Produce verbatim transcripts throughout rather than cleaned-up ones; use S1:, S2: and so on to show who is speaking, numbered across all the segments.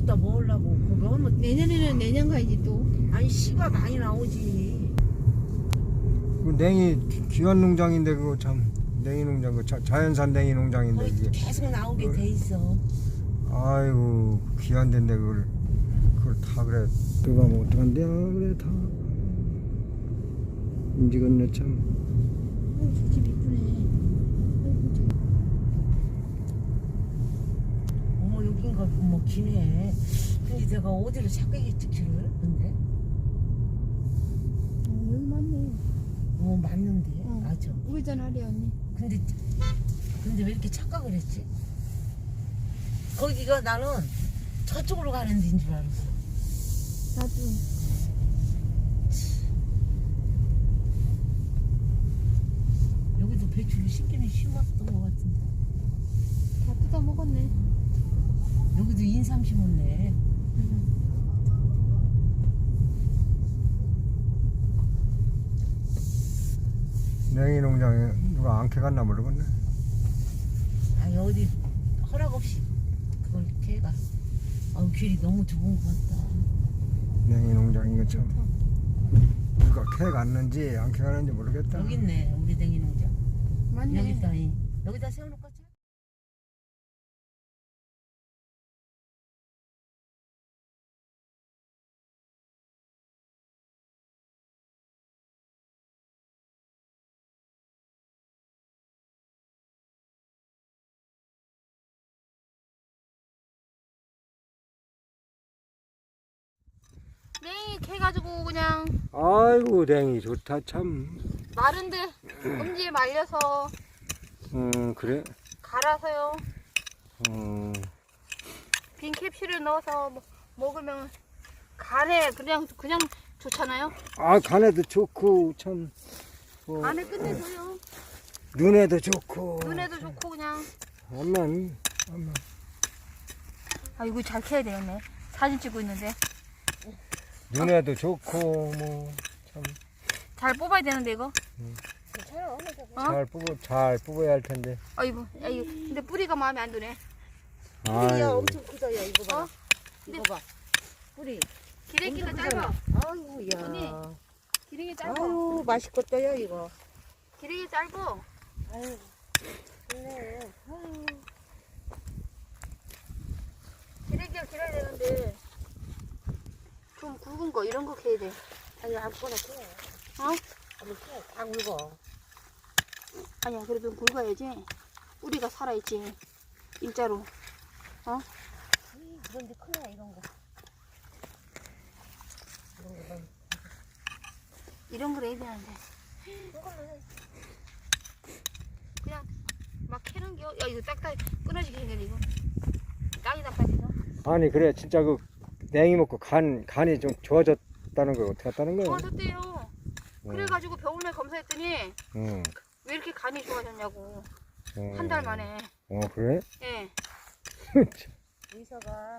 S1: 갖다 먹으려고. 그거 하면
S2: 내년에는 내년 가야지 또.
S1: 아니 씨가 많이 나오지.
S3: 그 냉이 귀- 귀한 농장인데 그거 참 냉이 농장 그 자, 자연산 냉이 농장인데
S1: 거의
S3: 이게
S1: 계속 나오게 돼 있어.
S3: 아이고 귀한 데인데 그걸 그걸 다 그래 들어가면 어떡한데요 그래 다 움직였네 참.
S2: 어, 집 이쁘네.
S1: 어머 여긴가 뭐 기네. 근데 내가 어디를 찾겠지 길을? 근데
S2: 어, 여기 맞네.
S1: 어 맞는데
S2: 어.
S1: 맞아.
S2: 우회전하래 언니.
S1: 근데 근데 왜 이렇게 착각을 했지? 거기가 나는 저쪽으로 가는 데인 줄 알았어.
S2: 나도.
S1: 여기도 배추를 심기는 심었던 것 같은데.
S2: 다 뜯어 먹었네.
S1: 여기도 인삼 심었네.
S3: 냉이 농장에 누가 안 캐갔나 모르겠네.
S1: 아니 어디 허락 없이 그걸 캐가. 아우 길이 너무 좁은 것 같다.
S3: 냉이 농장인 거 참. 누가 캐갔는지 안 캐갔는지 모르겠다.
S1: 여기 있네 우리 댕이 농장.
S2: 맞네.
S1: 여기다 이- 여기다 세워놓고 자.
S2: 냉이 캐가지고 그냥
S3: 아이고 냉이 좋다 참.
S2: 마른데 엄지에 말려서
S3: 음 그래.
S2: 갈아서요.
S3: 음.
S2: 빈 캡슐에 넣어서 먹- 먹으면 간에 그냥 그냥 좋잖아요.
S3: 아 간에도 좋고 참. 뭐,
S2: 간에 끝내줘요.
S3: 눈에도 좋고.
S2: 눈에도 좋고 그냥.
S3: 암만 암만.
S2: 아 이거 잘 캐야 되겠네. 사진 찍고 있는데
S3: 눈에도 좋고 뭐 참
S2: 잘 뽑아야 되는데 이거.
S1: 괜찮아.
S2: 어?
S3: 잘 뽑아 잘 뽑아야 할 텐데.
S2: 아이고, 아이고. 근데 뿌리가 마음에 안 드네.
S1: 뿌리야
S3: 아이고.
S1: 엄청 크다 야 이거 봐.
S2: 어?
S1: 이거 봐. 뿌리.
S2: 기레기가
S1: 엄청
S2: 짧아.
S1: 크잖아. 아이고 야.
S2: 언니. 기레기 짧아.
S1: 아유 맛있겠다 야 이거.
S2: 기레기 짧아.
S1: 아유. 좋네. 아유.
S2: 기레기가 길어야 되는데 좀 굵은 거 이런 거 캐야 돼.
S1: 아니 아무거나 캐.
S2: 어?
S1: 아무 캐. 다 굵어.
S2: 아니야, 그래도 굵어야지. 뿌리가 살아있지. 일자로. 어?
S1: 이, 그런데 크네 이런 거. 이런 거 봐.
S2: 이런 걸 해야 되는데. 그냥 막 캐는 게, 야, 이거 딱딱 끊어지게 생겼네, 이거. 땅에다 빠지죠?
S3: 아니 그래 진짜 그 냉이 먹고 간 간이 좀 좋아졌다는 거 어떻게 했다는 거야?
S2: 좋아졌대요. 그래가지고 병원에 검사했더니
S3: 응.
S2: 왜 이렇게 간이 좋아졌냐고.
S3: 어.
S2: 한 달 만에.
S3: 어 그래?
S2: 예.
S1: 의사가.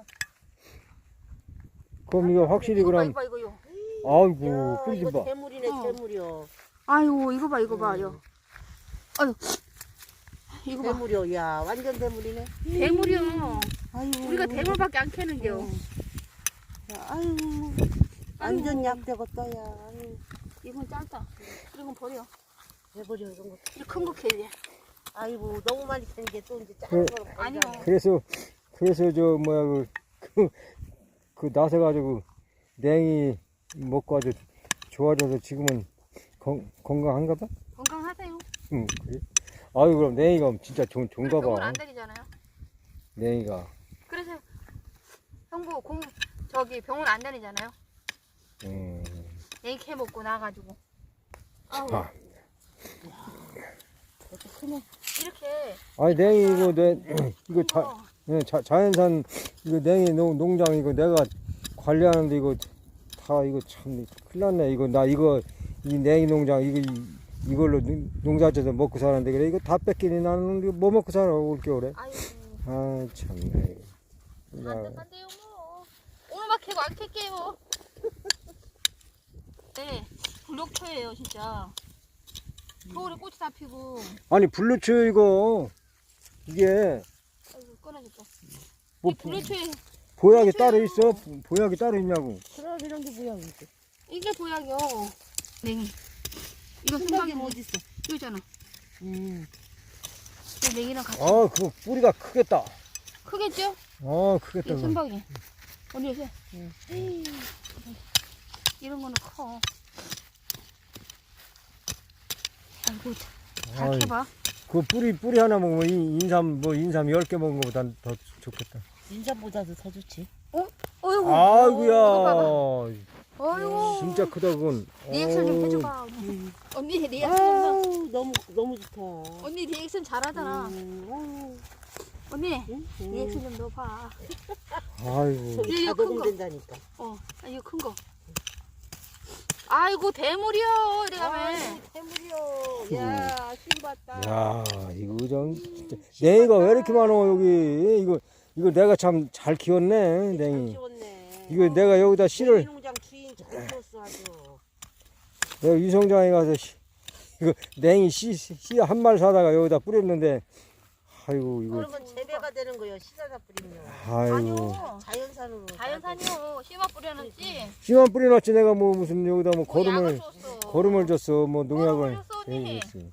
S3: 그럼 이거 확실히
S2: 이거 봐,
S3: 그럼
S2: 이거 봐, 이거요.
S3: 아이고
S1: 야,
S3: 뿌리 좀
S1: 이거
S3: 봐.
S1: 대물이네
S2: 어.
S1: 대물이요.
S2: 아이고, 이거 봐, 이거 봐,
S1: 음.
S2: 요. 아유. 이거 봐.
S1: 대물이요. 야 완전 대물이네.
S2: 대물이요.
S1: 아이고.
S2: 우리가 대물밖에 안 캐는겨.
S1: 응. 야, 아유. 완전 약되겠다 야. 아유.
S2: 이건 짧다. 이건 버려.
S1: 해버려 이런 거.
S2: 이 큰 거 캐야 돼.
S1: 아이고 너무 많이 캐는 게 또 이제 작은
S3: 그-
S1: 거로
S2: 아니요.
S1: 버리잖아.
S3: 그래서 그래서 저 뭐야 그 그 그 나서 가지고 냉이 먹고 아주 좋아져서 지금은 건, 건강한가 봐?
S2: 건강하세요.
S3: 응 그래. 아유 그럼 냉이가 진짜 좋, 좋은가
S2: 병원
S3: 봐.
S2: 안 다니잖아요.
S3: 냉이가.
S2: 그래서 형부 공 저기 병원 안 다니잖아요.
S3: 음.
S2: 애기 캐 먹고 나가지고. 아우.
S3: 아.
S1: 이렇게 크네.
S2: 이렇게
S3: 아니 냉이 이거 내 이거 자,
S2: 거.
S3: 예, 자 자연산 이거 냉이 농, 농장 이거 내가 관리하는데 이거 다 이거 참 큰일 났네 이거 나 이거 이 냉이 농장 이거 이, 이걸로 농- 농사져서 먹고 사는데 그래 이거 다 뺏기니 나는 이거 뭐 먹고 살아 올겨울에.
S2: 아이고.
S3: 아 참네.
S2: 안
S3: 야,
S2: 된다요 뭐. 오늘만 캐고 안 캘게요. 네. 불녹초예요 진짜. 겨울에 꽃이 다 피고.
S3: 아니 블루츠 이거 이게
S2: 아이고 끊어졌다.
S3: 뭐
S2: 이 불녹초에
S3: 보약이 따로 있어? 보약이 따로 있냐고.
S1: 그럼 이런 게 뭐야 이게?
S2: 이게 보약이요. 냉이. 이거
S1: 순박이
S2: 순박이
S1: 어디 있어?
S2: 여기 있잖아.
S1: 음.
S2: 이 냉이랑 같이.
S3: 아, 그거 뿌리가 크겠다.
S2: 크겠죠?
S3: 아,
S2: 이
S3: 크겠다. 그거.
S2: 순박이. 언니 요새
S1: 응.
S2: 이런 거는 커. 아이고 잘
S3: 아이,
S2: 캐봐.
S3: 그 뿌리, 뿌리 하나 먹으면 인- 인삼, 뭐, 인삼 열 개 먹은 것보다 더 좋겠다.
S1: 인삼보다도 더 좋지.
S2: 어이구.
S3: 아이고야.
S2: 어이구.
S3: 진짜 크다, 그건.
S2: 리액션 좀
S3: 어우,
S2: 해줘봐. 언니. 언니 리액션 좀.
S1: 아우 너무 너무 좋다.
S2: 언니 리액션 잘하잖아.
S1: 음, 아우,
S2: 언니
S1: 응? 응.
S2: 리액션 좀 넣어봐.
S3: 아이고.
S1: 저기
S2: 이거
S1: 자동
S2: 큰 거.
S1: 된다니까.
S2: 어, 아, 이거 큰 거. 아이고 대물이요. 이래가면.
S1: 아유, 태물이요. 야, 신봤다.
S3: 야, 이거 좀, 진짜. 냉이가 왜 이렇게 많어, 여기. 이거, 이거 내가 참 잘 키웠네, 냉이.
S1: 키웠네.
S3: 이거 내가 여기다 씨를,
S1: 농장 주인 잘 키웠어 아주.
S3: 내가 유성장에 가서 씨, 이거 냉이 씨, 씨 한 말 사다가 여기다 뿌렸는데, 아이고, 이거,
S1: 그러면 재배가 되는 거예요. 시사다 뿌리면.
S3: 아이고.
S2: 아니요.
S1: 자연산으로.
S2: 자연산이요. 씨만 뿌려놨지.
S3: 씨만 뿌려놨지, 내가 뭐 무슨 여기다 뭐
S2: 뭐 약을
S3: 거름을,
S2: 줬어.
S3: 거름을 줬어, 뭐 농약을.
S2: 거름을 줬어, 언니.
S3: 예, 줬어.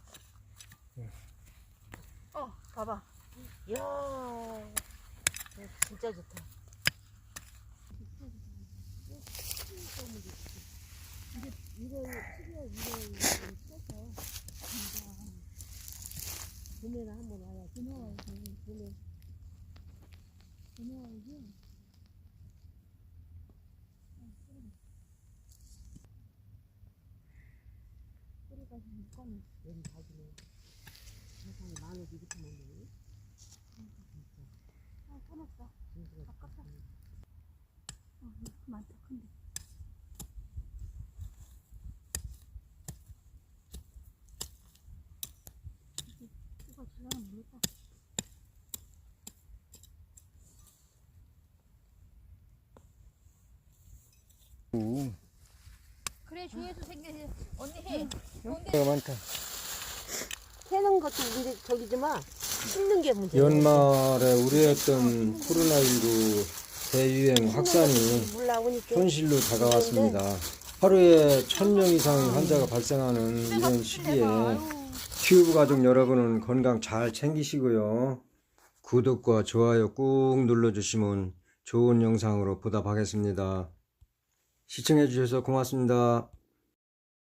S2: 어, 봐봐.
S1: 이야, 진짜 좋다. 봄에는 한번 와야 봄에 와야지. 봄에. 봄에 와야지. 뿌리가 좀 꺼내. 여기 가지네. 세상에 마늘 이렇게 먹네.
S2: 아, 끊었어. 아깝다. 어, 이거 많다, 큰데. 이거 질러는 모르겠다.
S3: 음,
S2: 그래, 조회수 생겨지. 언니 해.
S3: 내가 많다.
S1: 캐는 것도 문제 저기지만 씹는 게 문제.
S3: 연말에 우려했던 코로나십구 대유행 확산이
S1: 물 나오니까
S3: 현실로 다가왔습니다. 하루에 천 명 이상의 환자가 발생하는 이런 시기에 큐브 가족 여러분은 건강 잘 챙기시고요. 구독과 좋아요 꾹 눌러주시면 좋은 영상으로 보답하겠습니다. 시청해 주셔서 고맙습니다.